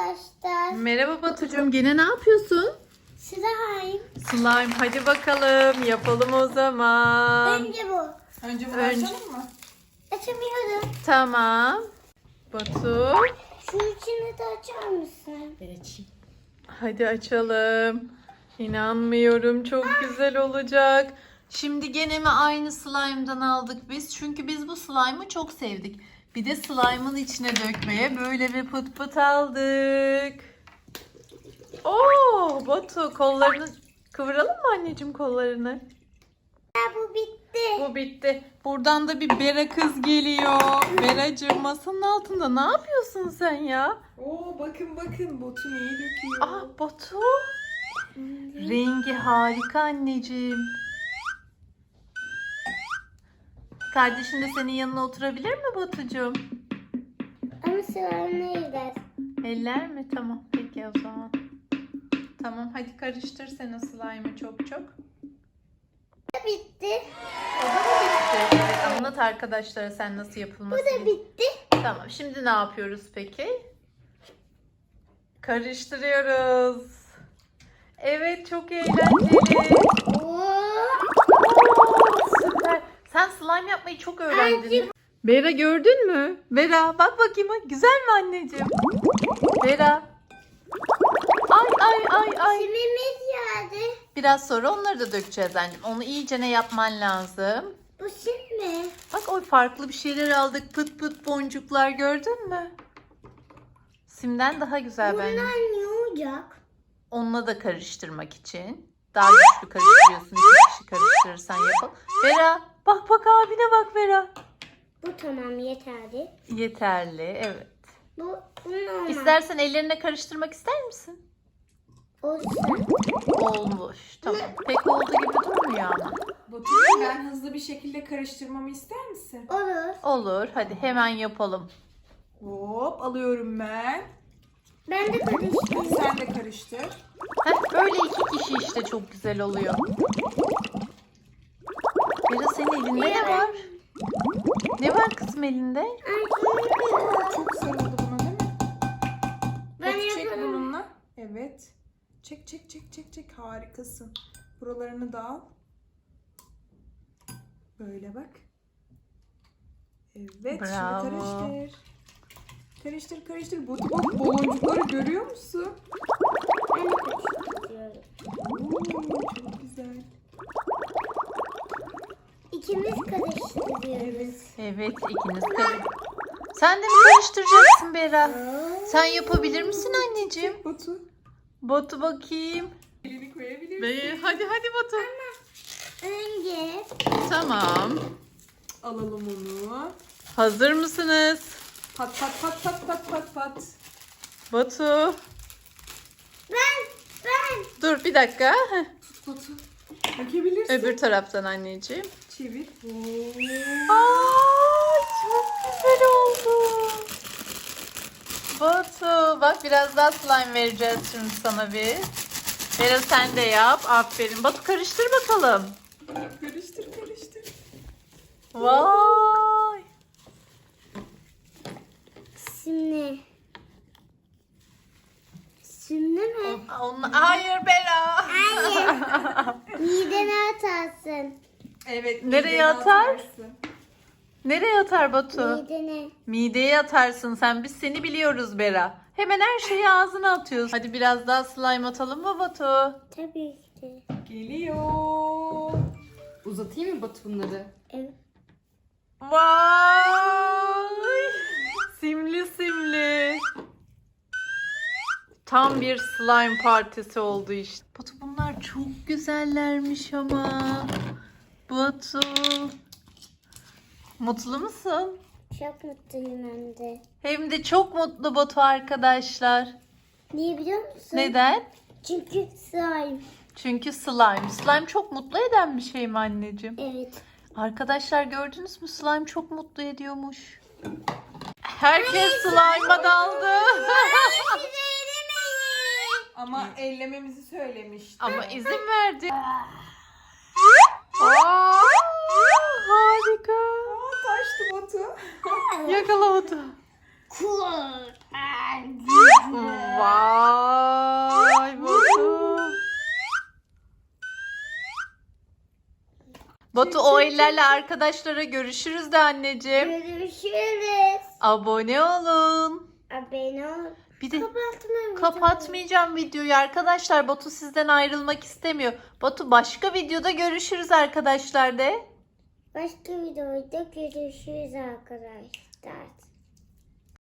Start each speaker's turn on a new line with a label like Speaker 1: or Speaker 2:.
Speaker 1: arkadaşlar.
Speaker 2: Merhaba Batucuğum. Gene ne yapıyorsun?
Speaker 1: Slime.
Speaker 2: Slime. Hadi bakalım. Yapalım o zaman.
Speaker 1: Önce bu.
Speaker 3: Önce bunu açalım mı?
Speaker 1: Açamıyorum.
Speaker 2: Tamam. Batu.
Speaker 1: Şu içini de açar mısın?
Speaker 2: Hadi açalım. İnanmıyorum. Çok güzel olacak. Şimdi gene mi aynı slime'dan aldık biz? Çünkü biz bu slime'ı çok sevdik. Bir de slime'ın içine dökmeye böyle bir pıt pıt aldık. Oo, Batu kollarını kıvıralım mı anneciğim kollarını?
Speaker 1: Bu bitti.
Speaker 2: Bu bitti. Buradan da bir Bera kız geliyor. Beracığım masanın altında ne yapıyorsun sen ya?
Speaker 3: Oo bakın botu neyi döküyor.
Speaker 2: Ah Batu. Rengi harika anneciğim. Kardeşin de senin yanına oturabilir mi Batucuğum?
Speaker 1: Ama slime gider.
Speaker 2: Eller mi? Tamam. Peki o zaman. Tamam hadi karıştır sen o slime'ı çok çok.
Speaker 1: Bitti.
Speaker 2: O da mı bitti? Evet, anlat arkadaşlara sen nasıl
Speaker 1: Bu
Speaker 2: yapılması.
Speaker 1: da bitti.
Speaker 2: Tamam şimdi ne yapıyoruz peki? Karıştırıyoruz. Evet çok eğlenceli.
Speaker 1: Oo.
Speaker 2: Süper. Sen slime yapmayı çok öğrendin. Bera gördün mü? Bera bak bakayım. Güzel mi anneciğim? Bera. Ay.
Speaker 1: Simimiz geldi.
Speaker 2: Biraz sonra onları da dökeceğiz anneciğim. Onu iyice ne yapman lazım.
Speaker 1: Bu sim mi?
Speaker 2: Bak o farklı bir şeyler aldık. Pıt pıt boncuklar gördün mü? Simden daha güzel bence.
Speaker 1: Bunlar ne olacak?
Speaker 2: Onunla da karıştırmak için. Daha güçlü karıştırıyorsun. İki kişi karıştırırsan yapalım. Vera bak abine bak Vera.
Speaker 1: Bu tamam yeterli.
Speaker 2: Yeterli evet.
Speaker 1: Bunun olmaz.
Speaker 2: İstersen ellerine karıştırmak ister misin?
Speaker 1: Olsun.
Speaker 2: Olmuş. Tamam. Pek olduğu gibi durmuyor ama.
Speaker 3: Batucuğum ben hızlı bir şekilde karıştırmamı ister misin?
Speaker 1: Olur.
Speaker 2: Olur. Hadi hemen yapalım.
Speaker 3: Hop alıyorum ben.
Speaker 1: Ben de karıştırayım.
Speaker 3: Sen de karıştır.
Speaker 2: Heh, böyle iki kişi işte çok güzel oluyor. Vera senin elinde ne var? Ne var kızım elinde?
Speaker 3: Çok sarıldı buna değil mi?
Speaker 1: Ben
Speaker 3: Batu çek
Speaker 1: yaparım.
Speaker 3: bununla. Evet. Çek. Harikasın. Buralarını da al. Böyle bak. Evet.
Speaker 2: Bravo.
Speaker 3: Şimdi karıştır. Batu bak baloncukları görüyor musun?
Speaker 1: Ben de karıştırıyorum.
Speaker 3: Oo, çok güzel.
Speaker 1: İkimiz karıştırıyoruz.
Speaker 3: Evet.
Speaker 2: Evet ikiniz karıştır. Sen de mi karıştıracaksın Bera? Sen yapabilir misin anneciğim?
Speaker 3: Batu.
Speaker 2: Batu bakayım.
Speaker 3: Elini koyabilirsin.
Speaker 2: Hadi Batu.
Speaker 1: Önce
Speaker 2: Tamam.
Speaker 3: Alalım onu.
Speaker 2: Hazır mısınız?
Speaker 3: Pat.
Speaker 2: Batu.
Speaker 1: ben
Speaker 2: Dur bir dakika. Heh.
Speaker 3: Batu. Dökebilirsin.
Speaker 2: Öbür taraftan anneciğim.
Speaker 3: Çevir.
Speaker 2: Aa, çok güzel oldu. Batu bak biraz daha slime vereceğiz şimdi sana bir. Vera sen de yap. Aferin. Batu karıştır bakalım.
Speaker 3: Karıştır.
Speaker 2: Vay.
Speaker 1: Şimdi mi?
Speaker 2: Hayır Bera.
Speaker 1: Midene atarsın.
Speaker 3: Evet.
Speaker 2: Nereye
Speaker 3: midene
Speaker 2: atar?
Speaker 3: atarsın.
Speaker 2: Nereye atar Batu?
Speaker 1: Midene.
Speaker 2: Mideye atarsın sen. Biz seni biliyoruz Bera. Hemen her şeyi ağzına atıyorsun. Hadi biraz daha slime atalım mı Batu?
Speaker 1: Tabii ki.
Speaker 3: Geliyor.
Speaker 4: Uzatayım mı Batu bunları?
Speaker 1: Evet.
Speaker 2: Vay! Simli. Tam bir slime partisi oldu işte. Batu bunlar çok güzellermiş ama. Batu. Mutlu musun?
Speaker 1: Çok mutluyum hem de.
Speaker 2: Hem de çok mutlu Batu arkadaşlar.
Speaker 1: Niye biliyor musun?
Speaker 2: Neden?
Speaker 1: Çünkü slime.
Speaker 2: Çünkü slime. Slime çok mutlu eden bir şey mi anneciğim?
Speaker 1: Evet.
Speaker 2: Arkadaşlar gördünüz mü? Slime çok mutlu ediyormuş. Herkes slime'a daldı.
Speaker 3: Ama ellememizi söylemişti.
Speaker 2: Ama izin verdi. Aa, harika.
Speaker 3: Taştı Batu.
Speaker 2: Yakala Batu.
Speaker 1: Cool.
Speaker 2: Vay Batu. Batu o ellerle arkadaşlara görüşürüz de anneciğim.
Speaker 1: Görüşürüz.
Speaker 2: Abone olun.
Speaker 1: Abone ol.
Speaker 2: Bir de
Speaker 1: Kapatmam.
Speaker 2: kapatmayacağım videoyu arkadaşlar. Batu sizden ayrılmak istemiyor. Batu başka videoda görüşürüz arkadaşlar de.
Speaker 1: Başka videoda görüşürüz arkadaşlar.